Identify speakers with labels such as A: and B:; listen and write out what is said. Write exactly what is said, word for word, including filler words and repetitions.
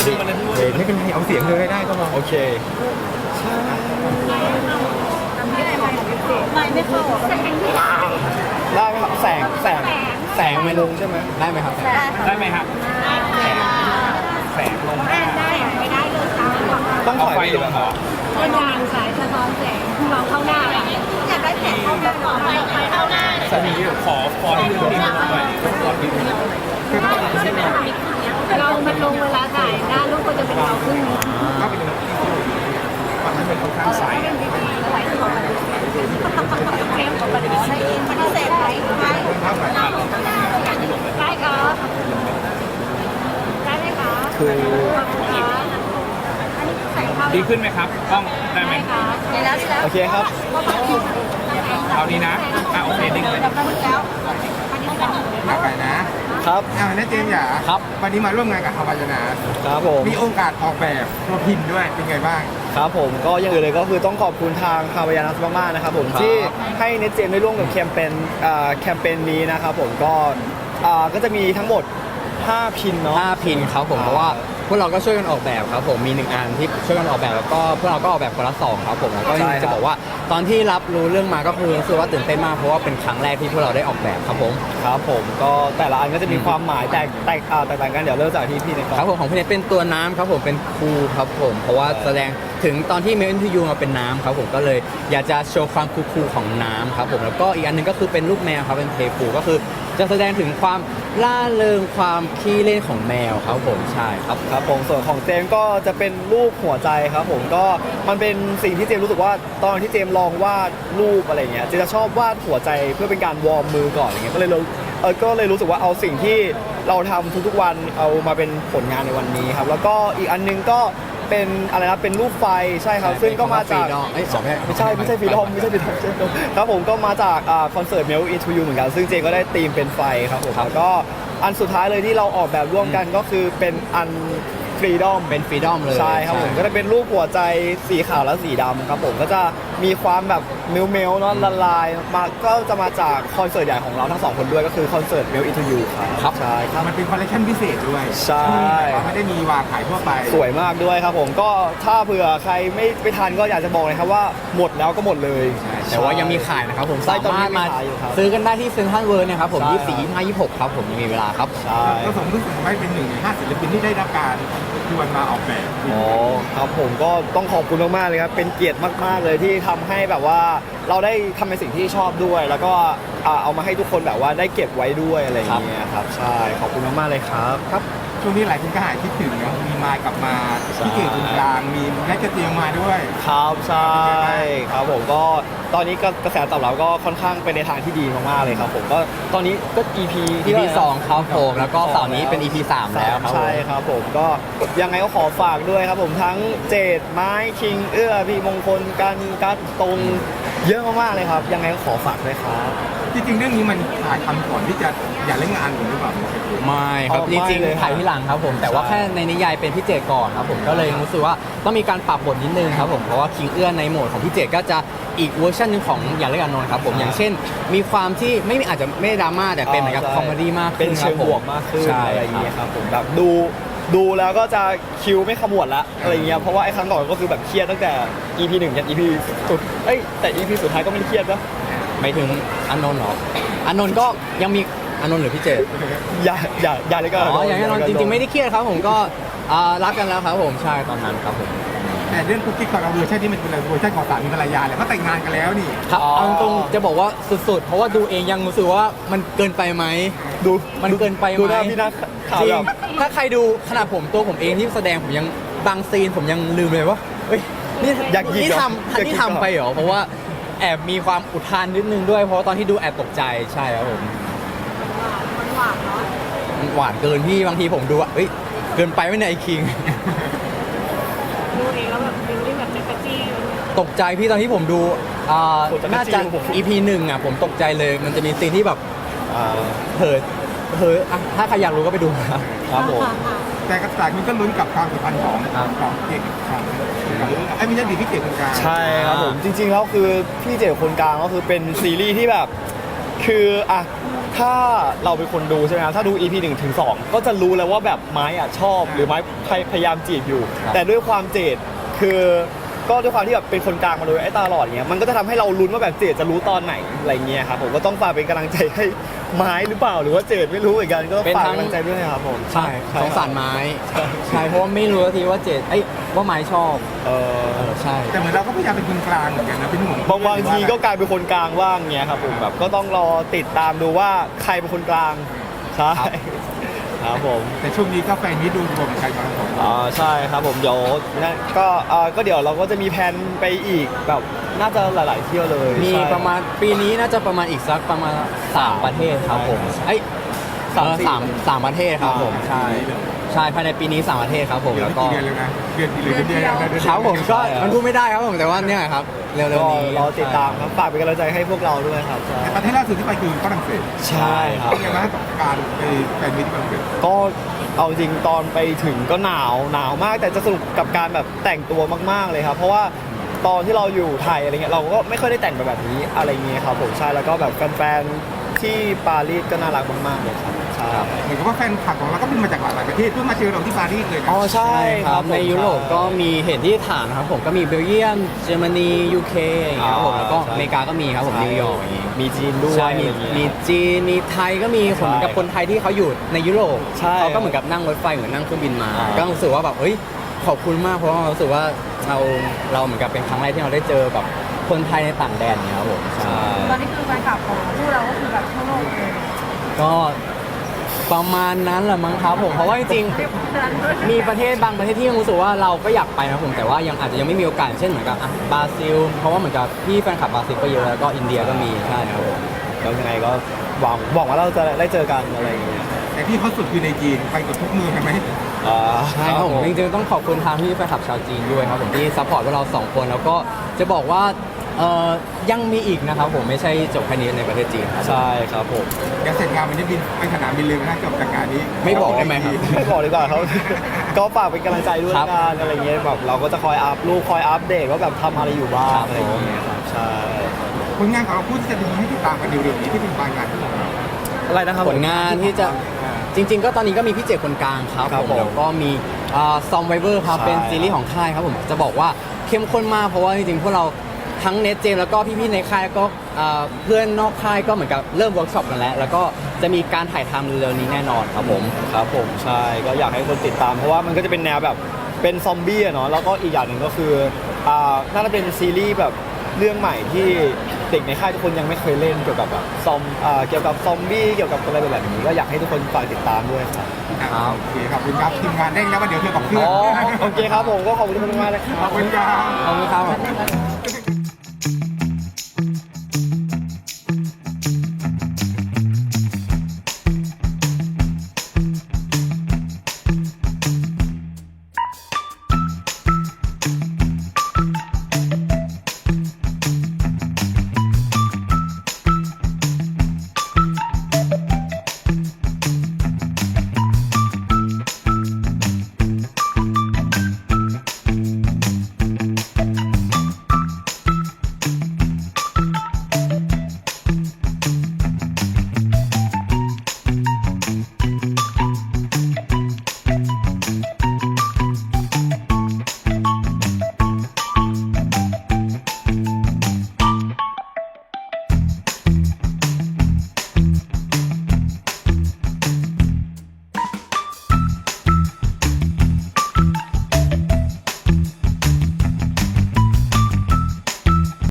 A: ดึกเด็กไม่เป็นไรเอาเสียงเธอให้ได้ก็พอโอเค
B: ไม่ไม่เข้า
A: ได้ไหมครับแสงแสงแสงไม่ลงใช่ไหมได้ไหมครับได้ไหมครับแสงแสงลงได้
B: ได้ไม่ได้เลยจ้า
A: ต้องถอยไปเหรอ
B: เป็นงานสายสะท้อนแสงมองเข้าหน้าอยากได้แสงเข้าหน้าต่อไปเข้าหน้า
A: สนีขอขอที่ดูที่หน่อย
B: เรามันลงเวลาถ่ายหน้าลูกก็จะเป็นเราขึ้น
A: ก็เป็นฝั่งนั้นเป็นค่อนข้างใส
B: ไหลของมันเข้มของมันใช้อินมันเสร็จไหมไหมได้ครับได้ไหมคะ
A: คือ
C: ดีขึ้นไหมครับต้องได้ไหม
B: ได้แล้วใช่แล้ว
A: โอเคครับ
C: เอาดีนะอ่ะโอเคดึงเลย
A: มาไปนะครับอ่าแน่เจมส์อย่าครับวันนี้มาร่วมงานกับฮาวายนาครับผมมีโอกาสออกแบบตัวพิมพ์ด้วยเป็นไงบ้างครับผมก็อย่างอื่นเลยก็คือต้องขอบคุณทางฮาวายนาสมากๆนะครับผมที่ให้เนเจมได้ร่วมกับแคมเปญอ่าแคมเปญนี้นะครับผมก็อ่าก็จะมีทั้งหมดห้าพินเนาะ
D: ห้าพินครับผมเพราะว่าพวกเราก็ช่วยกันออกแบบครับผมมีหนึ่งอันที่ช่วยกันออกแบบแล้วก็พวกเราก็ออกแบบคนละสองครับผมแล้วก็จะบอกว่าตอนที่รับรู้เรื่องมาก็คือรู้สึกว่าตื่นเต้นมากเพราะว่าเป็นครั้งแรกที่พวกเราได้ออกแบบครับผม
A: ครับผมก็แต่ละอันก็จะมีความหมายแตกแตกแตกต่างกันเดี๋ยวเริ่มจากที่พี่
D: นะครับผมของพี่เนทเป็นตัวน้ำครับผมเป็นคูครับผมเพราะว่าแสดงถึงตอนที่เมลอินทูยูมาเป็นน้ำครับผมก็เลยอยากจะโชว์ความคูลๆของน้ำครับผมแล้วก็อีกอันนึงก็คือเป็นลูกแมวครับเป็นเพลฟูก็คือจะแสดงถึงความล่าเริงความขี้เล่นของแมวครับผมใช่ครับ
A: ครับผมส่วนของเจมก็จะเป็นรูปหัวใจครับผมก็มันเป็นสิ่งที่เจมรู้สึกว่าตอนที่เจมลองวาดรูปอะไรเงี้ยเจมจะชอบวาดหัวใจเพื่อเป็นการวอร์มมือก่อนอะไรเงี้ยก็เลยเออก็เลยรู้สึกว่าเอาสิ่งที่เราทำทุกๆวันเอามาเป็นผลงานในวันนี้ครับแล้วก็อีกอันนึงก็เป็นอะไรนะเป็นรูปไฟใช่ครับซึ่งก็มาจากไม่ใช่ไม่ใช่ไม่ใช่ฟีดอมไม่ใช่ฟีดอมครับผมก็มาจากคอนเสิร์ต Melt Into You เหมือนกันซึ่งเจก็ได้ธีมเป็นไฟครับผมแล้วก็อันสุดท้ายเลยที่เราออกแบบร่วมกันก็คือเป็นอันฟรีดอม
D: เป็นฟรีดอมเลย
A: ใช่ครับผมก็จะเป็นรูปหัวใจสีขาวและสีดำครับผมก็จะมีความแบบเมลเมลเนาะละลายมาก็จะมาจากคอนเสิร์ตใหญ่ของเราทั้งสองคนด้วยก็คือคอนเสิร์ต Melt Into You ครับใช่ครับ
E: มันเป็นคอลเลคชันพิเศษด้วย
A: ใช่
E: ไม่ได้มีวางขายทั่วไป
A: สวยมากด้วยครับผมก็ถ้าเผื่อใครไม่ไปทันก็อยากจะบอกเลยครับว่าหมดแล้วก็หมดเลย
D: แต่ว่ายังมีขายนะครับผมสามารถมาซื้อกันได้ที่เซ็นทรัลเวิลด์นะครับผมยี่สิบสี่ ยี่สิบห้า ยี่สิบหกครับผมยังมีเวลาครับ
A: ใช่
E: ก็สมรู้สึกว่าเป็นหนึ่งในห้าศิลปินที่ได้รับการชวนมาออกแบบ
A: อ๋อครับผมก็ต้องขอบคุณมากๆเลยครับเป็นเกียรติมากๆเลยที่ทำให้แบบว่าเราได้ทำในสิ่งที่ชอบด้วยแล้วก็เอามาให้ทุกคนแบบว่าได้เก็บไว้ด้วยอะไรอย่างเงี้ยครับใช่ขอบคุณมากๆเลยครับ
E: ครับช่วงนี้หลายคนก็หายคิดถึงเนาะมีมากลับมาพี่เก่งตรงกลางมีแม่กระเตียงมาด้วย
A: ครับใช่ครับผมก็ตอนนี้ก็กระแสตอบรับก็ค่อนข้างไปในทางที่ดีมากๆเลยครับผมก็ตอนนี้ก็ อี พี
D: อี พี สองครับผมแล้วก็เสาร์นี้เป็น อี พี สามแล้ว
A: ใช่ครับผมก็ยังไงก็ขอฝากด้วยครับผมทั้งเจดไม้คิงเอื้อพี่มงคลกันกัดตรงเยอะมากๆเลยครับยังไงก็ขอฝากด้วยครับ
E: จริงๆเรื่องนี้มันถ่ายทำก่อนที่จะอย่าเล่นงานหรือเปล่า
D: ไม่ครับจริงๆถ่ายที่หลังครับผมแต่ว่าแค่ในนิยายเป็นพี่เจก่อนครับผมก็เลยรู้สึกว่าต้องมีการปรับบทนิดนึงครับผมเพราะว่าคิงเอื้อในโหมดของพี่เจก็จะอีกเวอร์ชันนึงของอย่าเล่นงานนนท์ครับผมอย่างเช่นมีความที่ไม่อาจจะไม่ดราม่าแต่เป็นเหมือนกับคอมเมดี้มาก
A: เป็นเชิงบวกมากขึ้นอะไรอย่างเงี้ยครับผมแบบดูดูแล้วก็จะคิวไม่ขมวดละอะไรเงี้ยเพราะว่าไอ้ครั้งก่อนก็คือแบบเครียดตั้งแต่ อี พี หนึ่งยัน อี พี สุดเอ้ยแต่ อี พี สุดท้ายก็ไม่เครียดนะ
D: ไม่ถึงอานนท์หรออานนท์ก็ยังมีอานนท์หรือพี่เจ
A: อย่าอย่าอย่าเลยก็
D: อ๋ออย่างนั้นจริงๆไม่ได้เครียดครับผมก็รักกันแล้วครับผมใช่ตอนนั้นครับผม
E: แต่เรื่องคุกกิ๊กของเราเวอร์ชันนี้มันเป็นเวอร์ชันของสามีภรรยาเลยเพราะแต่งงานกันแล้วนี่
D: ครับเอาตรงจะบอกว่าสุดๆเพราะว่าดูเองยังรู้สึกว่ามันเกินไปไหม
A: ดู
D: มันเกินไปไหม
A: ดูหน้าพี่นัก
D: จริงถ้าใครดูขนาดผมตัวผมเองที่แสดงผมยังบางซีนผมยังลืมเลยว่าเฮ้ยนี่นี่ทำนี่ทำไปเหรอเพราะว่าแอบมีความอุทานนิดนึงด้วยเพราะตอนที่ดูแอบตกใจใช่ครับผม
B: มันหวานเนาะ
D: หวานเกินพี่บางทีผมดูว่าเฮ้ยเกินไปไม่ในไอคิง
B: ดูเองแล้วแบบฟิลลิ่งแบบจักรจี้
D: ตกใจพี่ตอนที่ผมดูน่าจะ อี พี หนึ่งอ่ะผมตกใจเลยมันจะมีซีนที่แบบเผลอเผลอถ้าใครอยากรู้ก็ไปดูครับผม
E: แต่กระต่ายมันก็ลุ้นกับความสัมพันธ์ของของเก่งครับไอ้ไม่ใช่ดีพี่เก่งคนกลาง
A: ใช่ครับผมจริงๆแล้วคือพี่เจ๋คนกลางก็คือเป็นซีรีส์ที่แบบคืออ่ะถ้าเราเป็นคนดูใช่ไหมครับถ้าดู อี พี หนึ่งถึงสองก็จะรู้แล้วว่าแบบไม้อะชอบหรือไม้พยพยายามจีบอยู่ แต่ด้วยความเจดคือก็ด้วยความที่แบบเป็นคนกลางมาโดยไอ้ตาหลอดเงี้ยมันก็จะทำให้เราลุ้นว่าแบบเจดจะรู้ตอนไหนอะไรเงี้ยครับผมก็ต้องฝากเป็นกำลังใจให้ไม้หรือเปล่าหรือว่าเจดไม่รู้เหมือนกันก็
D: เป็น
A: ฝาก
D: ทั้ง
A: กำลังใจด้วยนะครับผม
D: ใช่สงสารไม้ ใช่เพราะว่าไม่รู้ทีว่าเจดเอ้ยว่าไม้ชอบ
A: เออ
D: เออใช่
E: แต่เหมือนเราก็พยายามเป็นคนกลางเหมือนกันนะพี่หนุ่ม
A: บางบางทีก็กลายเป็นคนกลางว่างเงี้ยครับผมแบบก็ต้องรอติดตามดูว่าใครเป็นคนกลางใช่ครับผม
E: แต่ช่วงนี้ก็แฟนนี้ดูรวมใครมาของ
A: อ่าใช่ครับผมเดี๋ยวนะก็อ่าก็เดี๋ยวเราก็จะมีแผนไปอีกแบบน่าจะหลาย ๆ เที่ยวเลย
D: มี
A: ใช่
D: ประมาณปีนี้น่าจะประมาณอีกสักประมาณสามประเทศครับผมเอ้ย
A: สาม
D: เออ
A: สี่
D: สามสามประเทศครับผม
A: อ่า
D: ใช่ใช่ภายในปีนี้สามประเทศครับผม
E: เดือน
D: แล้ว
E: ไม่
D: ก็
E: กี่เดือนเลยนะเดือนกี่เดือนเดือนเดียวนะเดือน
D: ครับผมก็
A: ใช่ครับ
D: มันพูดไม่ได้ครับผมแต่ว่าเนี่ยครับเร็ว
A: ก็
D: ๆนี้
A: รอติดตามครับฝากเป็นกำลังใจให้พวกเราด้วยครับใช่
E: แต่ประเทศล่าสุดที่ไปคือฝรั่งเศส
A: ใช่ครับ
E: เป็นไงบ้างกับการไปแฟนมิตรฝรั่งเศส
A: ก็เอาจริงตอนไปถึงก็หนาวหนาวมากแต่จะสนุกกับการแบบแต่งตัวมาก ๆ เลยครับ เพราะว่าตอนที่เราอยู่ไทยอะไรเงี้ยเราก็ไม่ค่อยได้แต่งแบบนี้อะไรเงี้ยครับผมใช่แล้วก็แบบแฟนๆที่ปารีสก็น่ารักมากๆเลยครับใช่
E: เหมือนกับว่าแฟนคลับของเราก็บินมาจากหลากหลายประเทศเพื่อมาเจอเราที่ปารีสเลยนะ
A: อ๋อใช่
D: ใช่
A: ค
D: ค
A: รั
D: รั
A: บบ ผม
D: ในยุโรปก็มีเห็นที่ฐานครับผมก็มีเบลเยียมเยอรมนียูเคอย่างเงี้ยครับผม
A: อ่า
D: แล้วก็
A: ใช่
D: อเมริกาก็มีครับผม
A: ใช่
D: นิวยอร์กอย่างงี้
A: มีจีนด้วย
D: ใช่มี
A: อะไรเงี้ย
D: มีจีนมีไทยก็มีคนเหมือนกับ
A: ใช่
D: คนไทยที่เขาอยู่ในยุโรป
A: ใช่
D: เขาก็เหมือนกับนั่งรถไฟเหมือนนั่งเครื่องบินมา
A: อ่า
D: ก็รู้สึกว่าแบบเฮ้ยขอบคุณมากเพราะว่าเรารู้สึกว่าเราเราเหมือนกับเป็นครั้งแรกที่เราได้เจอแบบคนไทยในต่างแดนเนี่ยครับผมใช่
B: ตอนนี้คือแฟนคลับของคู่เราก็คือแบบทั่วโลกเลย
D: ก็ประมาณนั้นแหละมั้งครับผมเพราะว่าจริงๆมีประเทศบางประเทศที่ยังรู้สึกว่าเราก็อยากไปนะผมแต่ว่ายังอาจจะยังไม่มีโอกาสเช่นเหมือนกับอ่ะบราซิล เพราะว่าเหมือนกับพี่แฟนคลับบราซิลก็เยอะแล้วก็อินเดียก็มีใช่ครับผม
A: แล้วยังไงก็หวังหวังว่าเราจะได้เจอกันอะไรอย่างเงี้ย
E: แต่ที่เขาสุดคือในจีนไปกับทุกเมืองใช่ไหม
A: อ่า
D: ใช่ครับผมจริงๆต้องขอบคุณทางพี่แฟนคลับชาวจีนด้วยครับผมที่ซัพพอร์ตพวกเราสองคนแล้วก็จะบอกว่าเอ่อยังมีอีกนะครับผมไม่ใช่จบแค่นี้ในประเทศจีนครับ
A: ใช่ครับผม
E: เดี๋ยวเสร็จงานมันจะบินไปสนามบินเลยนะจบจากงานนี้
D: ไม่บอกได้ไหมครับ
A: ไม่บอกดีกว่าครับ ก็ฝากเป็นกำลังใจด้วย
D: ครับ
A: กันอะไรเงี้ยแบบเราก็จะคอยอัพรูปคอยอัปเดตว่าแบบทำอะไรอยู่บ้า
D: ครั
A: ง
D: บ
A: อะไรอย่างเงี้ยครับใช่
E: ผลงานของเราพูดจะมีให้ติดตามกันเร็วๆนี้ที่เป็นปลายงานของเรา
A: อะไรนะครับ
D: ผลงานที่จะจริง ๆ ก็ตอนนี้ก็มีพี่เจคนกลางครับ
A: ครับ
D: ผม
A: ผม
D: แล้วก็มีซอมไวเวอร์ครับ
A: ใช่
D: เป็นซีรีส์ของค่ายครับผมจะบอกว่าเข้มข้นมากเพราะว่าจริงๆพวกเราทั้งเนทเจมแล้วก็พี่ๆในค่ายแล้วก็เอ่อเพื่อนนอกค่ายก็เหมือนกับเริ่มเวิร์กช็อปกันแล้ว แล้วก็จะมีการถ่ายทำเร็วๆนี้แน่นอนครับผม
A: ครับผมใช่ก็อยากให้คนติดตาม เพราะว่ามันก็จะเป็นแนวแบบเป็นซอมบี้อะเนาะแล้วก็อีกอย่างหนึ่งก็คืออ่าน่าจะเป็นซีรีส์แบบเรื่องใหม่ที่เด็กในค่ายทุกคนยังไม่เคยเล่นเกี่ยวกับแบบซอมอ่าเกี่ยวกับซอมบี้เกี่ยวกับอะไรแบบนี้ก็อยากให้ทุกคนฝากติดตามด้วยครับ
E: อ่ะโอเคขอบคุณครับทีมงานได้แล้วว่าเดี๋ยวเธอกับเพื่อน
A: อ๋อโอเคครับผมก็ขอบคุณทุกคนมากนะครับ
E: ขอบคุณครับ
D: ขอบคุณครับ